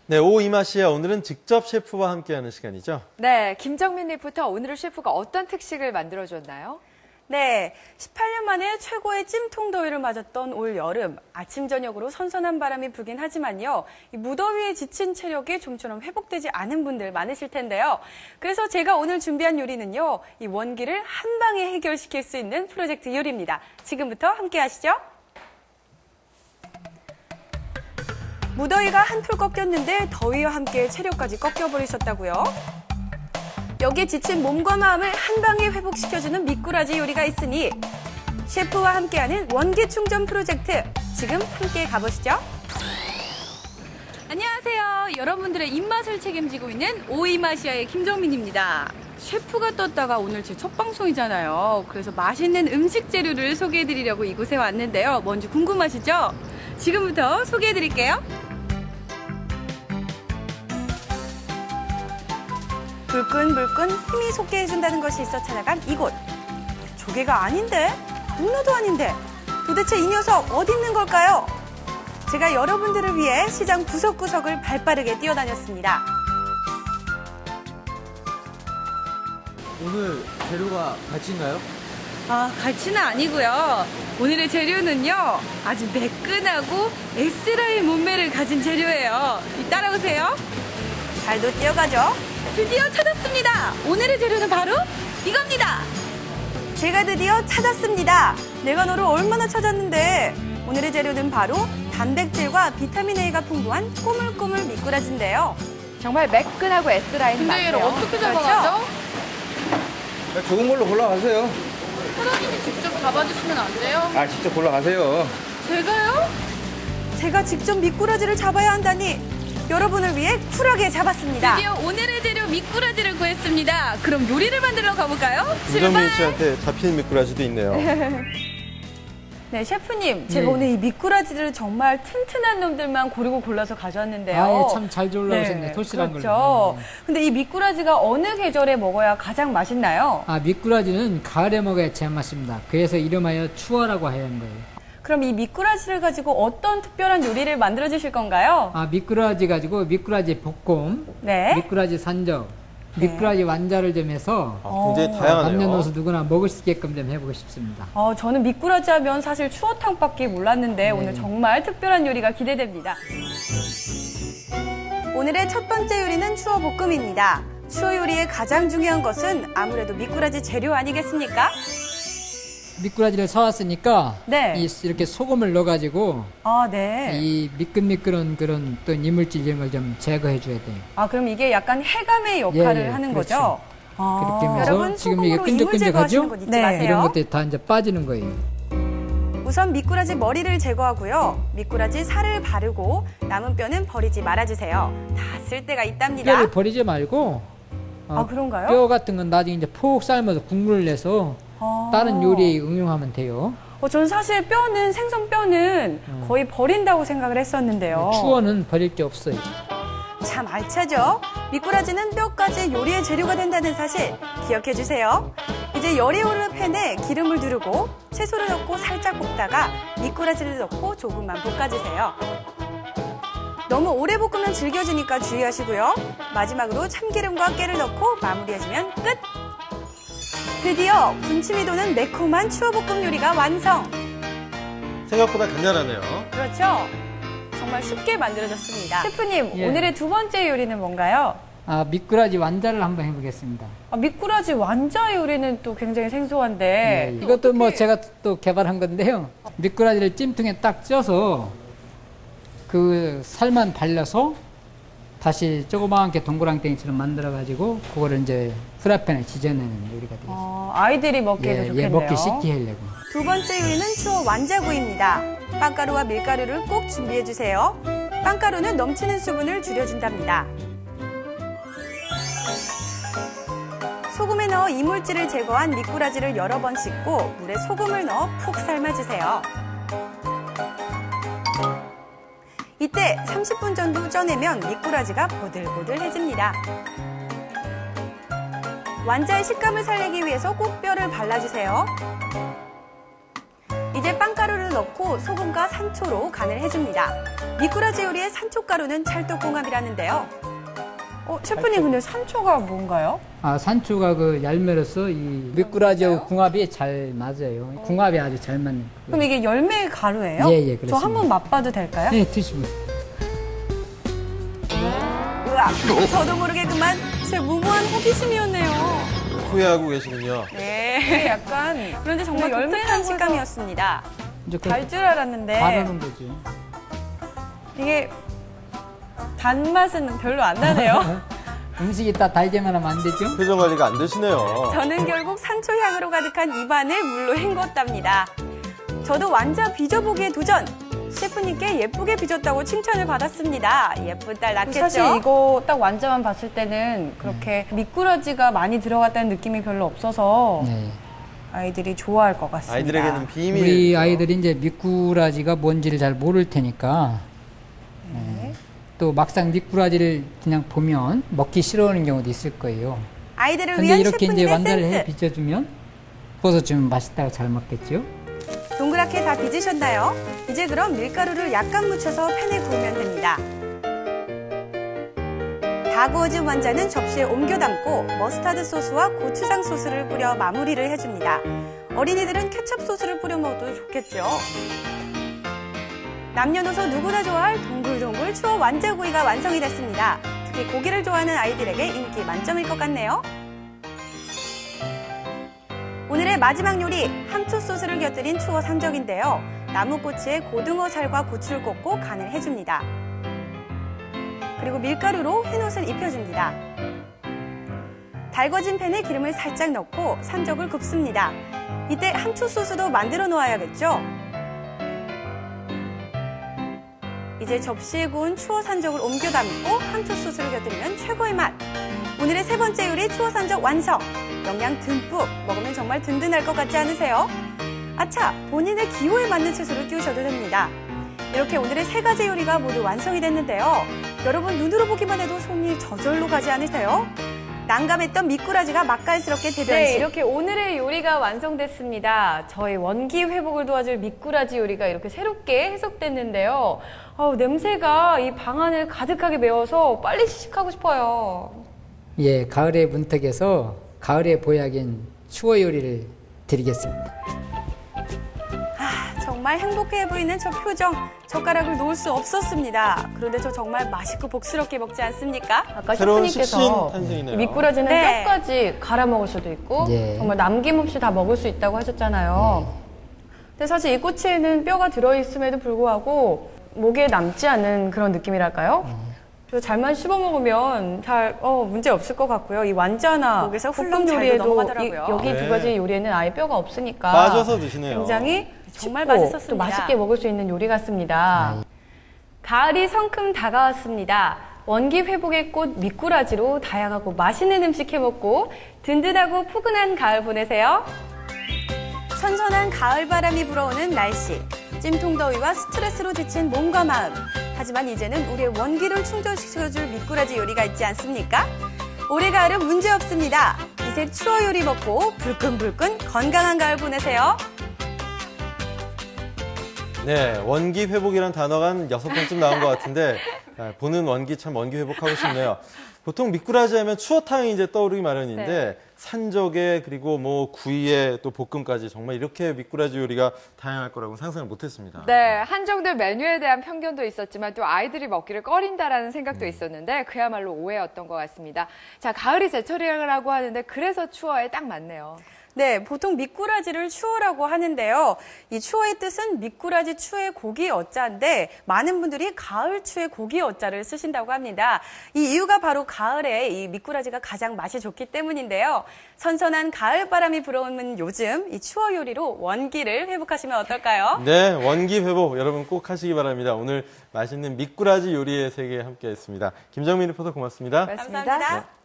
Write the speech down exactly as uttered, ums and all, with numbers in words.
네, 오후 이 맛이야. 오늘은 직접 셰프와 함께하는 시간이죠. 네, 김정민 리포터, 오늘은 셰프가 어떤 특식을 만들어줬나요? 네, 십팔 년 만에 최고의 찜통 더위를 맞았던 올 여름. 아침 저녁으로 선선한 바람이 불긴 하지만요. 이 무더위에 지친 체력이 좀처럼 회복되지 않은 분들 많으실 텐데요. 그래서 제가 오늘 준비한 요리는요. 이 원기를 한 방에 해결시킬 수 있는 프로젝트 요리입니다. 지금부터 함께 하시죠. 무더위가 한풀 꺾였는데 더위와 함께 체력까지 꺾여버리셨다고요? 여기에 지친 몸과 마음을 한 방에 회복시켜주는 미꾸라지 요리가 있으니 셰프와 함께하는 원기 충전 프로젝트, 지금 함께 가보시죠. 안녕하세요. 여러분들의 입맛을 책임지고 있는 오이마시아의 김정민입니다. 셰프가 떴다가 오늘 제 첫 방송이잖아요. 그래서 맛있는 음식 재료를 소개해드리려고 이곳에 왔는데요. 뭔지 궁금하시죠? 지금부터 소개해드릴게요. 불끈불끈 힘이 솟게 해준다는 것이 있어 찾아간 이곳. 조개가 아닌데? 문어도 아닌데? 도대체 이 녀석 어디 있는 걸까요? 제가 여러분들을 위해 시장 구석구석을 발빠르게 뛰어다녔습니다. 오늘 재료가 갈치인가요? 아, 갈치는 아니고요. 오늘의 재료는요, 아주 매끈하고 S라인 몸매를 가진 재료예요. 따라오세요. 발도 뛰어가죠? 드디어 찾았습니다. 오늘의 재료는 바로 이겁니다. 제가 드디어 찾았습니다. 내가 너를 얼마나 찾았는데. 오늘의 재료는 바로 단백질과 비타민 A가 풍부한 꼬물꼬물 미꾸라지인데요. 정말 매끈하고 S라인 근데 맞네요. 얘를 어떻게 그렇죠? 잡아가죠? 좋은 걸로 골라가세요. 사장님이 직접 잡아주시면 안 돼요? 아, 직접 골라가세요. 제가요? 제가 직접 미꾸라지를 잡아야 한다니 여러분을 위해 쿨하게 잡았습니다. 드디어 오늘의 재료 미꾸라지를 구했습니다. 그럼 요리를 만들러 가볼까요? 김정민 씨한테 잡힌 미꾸라지도 있네요. 네, 셰프님, 제가 네. 오늘 이 미꾸라지를 정말 튼튼한 놈들만 고르고 골라서 가져왔는데요. 아, 예, 참 잘 올라오셨네. 토실한 그렇죠. 걸로. 네. 근데 이 미꾸라지가 어느 계절에 먹어야 가장 맛있나요? 아, 미꾸라지는 가을에 먹어야 제맛입니다. 그래서 이름하여 추어라고 하는 거예요. 그럼 이 미꾸라지를 가지고 어떤 특별한 요리를 만들어 주실 건가요? 아, 미꾸라지 가지고 미꾸라지 볶음, 네. 미꾸라지 산적, 네. 미꾸라지 완자를 좀 해서 아, 굉장히 어, 다양하네요. 남녀노소 누구나 먹을 수 있게끔 좀 해보고 싶습니다. 어, 저는 미꾸라지 하면 사실 추어탕밖에 몰랐는데 네. 오늘 정말 특별한 요리가 기대됩니다. 오늘의 첫 번째 요리는 추어 볶음입니다. 추어 요리의 가장 중요한 것은 아무래도 미꾸라지 재료 아니겠습니까? 미꾸라지를 사왔으니까 네. 이, 이렇게 소금을 넣어가지고 아, 네. 이 미끈미끈한 그런 또 이물질 이런 걸 좀 제거해 줘야 돼요. 아, 그럼 이게 약간 해감의 역할을 예, 예, 하는 그렇죠. 거죠? 아, 그렇게 하면서 여러분, 지금 이게 소금으로 이물 제거하시는 끈적끈적하죠? 건 잊지 네. 마세요. 이런 것들이 다 이제 빠지는 거예요. 우선 미꾸라지 머리를 제거하고요. 미꾸라지 살을 바르고 남은 뼈는 버리지 말아주세요. 다 쓸 때가 있답니다. 뼈를 버리지 말고 어, 아, 그런가요? 뼈 같은 건 나중에 이제 푹 삶아서 국물을 내서 아. 다른 요리에 응용하면 돼요. 어, 저는 사실 뼈는, 생선 뼈는 음. 거의 버린다고 생각을 했었는데요. 추어는 버릴 게 없어요. 참 알차죠? 미꾸라지는 뼈까지 요리의 재료가 된다는 사실 기억해 주세요. 이제 열이 오르는 팬에 기름을 두르고 채소를 넣고 살짝 볶다가 미꾸라지를 넣고 조금만 볶아주세요. 너무 오래 볶으면 질겨지니까 주의하시고요. 마지막으로 참기름과 깨를 넣고 마무리해주면 끝! 드디어 군침이 도는 매콤한 추어볶음 요리가 완성! 생각보다 간단하네요. 그렇죠? 정말 쉽게 만들어졌습니다. 셰프님, 예. 오늘의 두 번째 요리는 뭔가요? 아, 미꾸라지 완자를 한번 해보겠습니다. 아, 미꾸라지 완자 요리는 또 굉장히 생소한데 네, 이것도 뭐 어떻게- 제가 또 개발한 건데요. 미꾸라지를 찜통에 딱 쪄서 그 살만 발라서 다시 조그맣게 동그랑땡이처럼 만들어가지고 그거를 이제 프라이팬에 지져내는 요리가 되겠습니다. 어, 아이들이 먹기에도 예, 좋겠네요. 예, 먹기 쉽게 하려고. 두 번째 요리는 추어 완자구이입니다. 빵가루와 밀가루를 꼭 준비해주세요. 빵가루는 넘치는 수분을 줄여준답니다. 소금에 넣어 이물질을 제거한 미꾸라지를 여러 번 씻고 물에 소금을 넣어 푹 삶아주세요. 이때 삼십 분 정도 쪄내면 미꾸라지가 보들보들해집니다. 완자의 식감을 살리기 위해서 꼭 뼈를 발라주세요. 이제 빵가루를 넣고 소금과 산초로 간을 해줍니다. 미꾸라지 요리의 산초가루는 찰떡궁합이라는데요. 어, 셰프님 근데 산초가 뭔가요? 아, 산초가 그 열매로서 이 미꾸라지하고 궁합이 잘 맞아요. 궁합이 아주 잘 맞는. 그럼 이게 열매 가루예요? 예, 예, 그렇습니다. 저 한번 맛봐도 될까요? 네, 드시면. 으악, 저도 모르게 그만 제 무모한 호기심이었네요. 후회하고 계시군요. 네, 약간 그런데 정말 근데 독특한 열매라고 식감이었습니다. 이제 그 달 줄 알았는데 바르는 거지. 이게 단맛은 별로 안 나네요. 음식이 다 달게만 하면 안 되죠? 표정 관리가 안 되시네요. 저는 결국 산초 향으로 가득한 입안을 물로 헹궜답니다. 저도 완자 빚어보기에 도전! 셰프님께 예쁘게 빚었다고 칭찬을 받았습니다. 예쁜 딸 낳겠죠? 사실 이거 딱 완자만 봤을 때는 그렇게 미꾸라지가 많이 들어갔다는 느낌이 별로 없어서 네. 아이들이 좋아할 것 같습니다. 아이들에게는 비밀. 우리 아이들이 이제 미꾸라지가 뭔지를 잘 모를 테니까 네. 예. 또 막상 미꾸라지를 그냥 보면 먹기 싫어하는 경우도 있을 거예요. 아이들을 근데 위한 이렇게 이제 셰프님의 완자를 해 센스. 빚어주면 구워서 주면 맛있다고 잘 먹겠죠? 동그랗게 다 빚으셨나요? 이제 그럼 밀가루를 약간 묻혀서 팬에 구우면 됩니다. 다 구워진 완자는 접시에 옮겨 담고 머스타드 소스와 고추장 소스를 뿌려 마무리를 해줍니다. 어린이들은 케첩 소스를 뿌려 먹어도 좋겠죠. 남녀노소 누구나 좋아할 동글동글 추어 완자구이가 완성이 됐습니다. 특히 고기를 좋아하는 아이들에게 인기 만점일 것 같네요. 오늘의 마지막 요리, 함초 소스를 곁들인 추어 산적인데요. 나무꼬치에 고등어 살과 고추를 꽂고 간을 해줍니다. 그리고 밀가루로 흰옷을 입혀줍니다. 달궈진 팬에 기름을 살짝 넣고 산적을 굽습니다. 이때 함초 소스도 만들어 놓아야겠죠? 이제 접시에 구운 추어 산적을 옮겨 담고 함초 소스를 곁들이면 최고의 맛! 오늘의 세 번째 요리 추어 산적 완성! 영양 듬뿍 먹으면 정말 든든할 것 같지 않으세요? 아차! 본인의 기호에 맞는 채소를 끼우셔도 됩니다. 이렇게 오늘의 세 가지 요리가 모두 완성이 됐는데요. 여러분 눈으로 보기만 해도 손이 저절로 가지 않으세요? 난감했던 미꾸라지가 맛깔스럽게 대변신. 네, 이렇게 오늘의 요리가 완성됐습니다. 저희 원기 회복을 도와줄 미꾸라지 요리가 이렇게 새롭게 해석됐는데요. 어우, 냄새가 이 방안을 가득하게 메워서 빨리 시식하고 싶어요. 예, 가을의 문턱에서 가을의 보약인 추어 요리를 드리겠습니다. 아, 정말 행복해 보이는 저 표정. 젓가락을 놓을 수 없었습니다. 그런데 저 정말 맛있고 복스럽게 먹지 않습니까? 아까 새로운 식신 셰프님께서 탄생이네요. 이 미꾸라지는 네. 뼈까지 갈아 먹을 수도 있고 예. 정말 남김없이 다 먹을 수 있다고 하셨잖아요. 근데 사실 이 꼬치에는 뼈가 들어있음에도 불구하고 목에 남지 않은 그런 느낌이랄까요? 그래서 잘만 씹어 먹으면 잘 어, 문제 없을 것 같고요. 이 완자나 목에서 훌렁 볶음 잘도 요리에도 넘어가더라고요. 이, 여기 네. 두 가지 요리에는 아예 뼈가 없으니까 빠져서 드시네요. 굉장히 정말 쉽고 맛있었습니다. 또 맛있게 먹을 수 있는 요리 같습니다. 가을이 성큼 다가왔습니다. 원기 회복의 꽃 미꾸라지로 다양하고 맛있는 음식 해먹고 든든하고 푸근한 가을 보내세요. 선선한 가을 바람이 불어오는 날씨. 찜통 더위와 스트레스로 지친 몸과 마음. 하지만 이제는 우리의 원기를 충전시켜줄 미꾸라지 요리가 있지 않습니까? 올해 가을은 문제 없습니다. 이제 추어 요리 먹고 불끈불끈 건강한 가을 보내세요. 네, 원기 회복이란 단어가 한 여섯 번쯤 나온 것 같은데 아, 보는 원기 참 원기 회복하고 싶네요. 보통 미꾸라지 하면 추어탕이 이제 떠오르기 마련인데 네. 산적에 그리고 뭐 구이에 또 볶음까지 정말 이렇게 미꾸라지 요리가 다양할 거라고 상상을 못했습니다. 네, 한정된 메뉴에 대한 편견도 있었지만 또 아이들이 먹기를 꺼린다라는 생각도 있었는데 그야말로 오해였던 것 같습니다. 자, 가을이 제철이라고 하는데 그래서 추어에 딱 맞네요. 네, 보통 미꾸라지를 추어라고 하는데요. 이 추어의 뜻은 미꾸라지 추의 고기 어자인데 많은 분들이 가을 추의 고기 어자를 쓰신다고 합니다. 이 이유가 바로 가을에 이 미꾸라지가 가장 맛이 좋기 때문인데요. 선선한 가을 바람이 불어오는 요즘 이 추어 요리로 원기를 회복하시면 어떨까요? 네, 원기 회복 여러분 꼭 하시기 바랍니다. 오늘 맛있는 미꾸라지 요리의 세계 함께했습니다. 김정민 리포터 고맙습니다. 고맙습니다. 감사합니다. 네.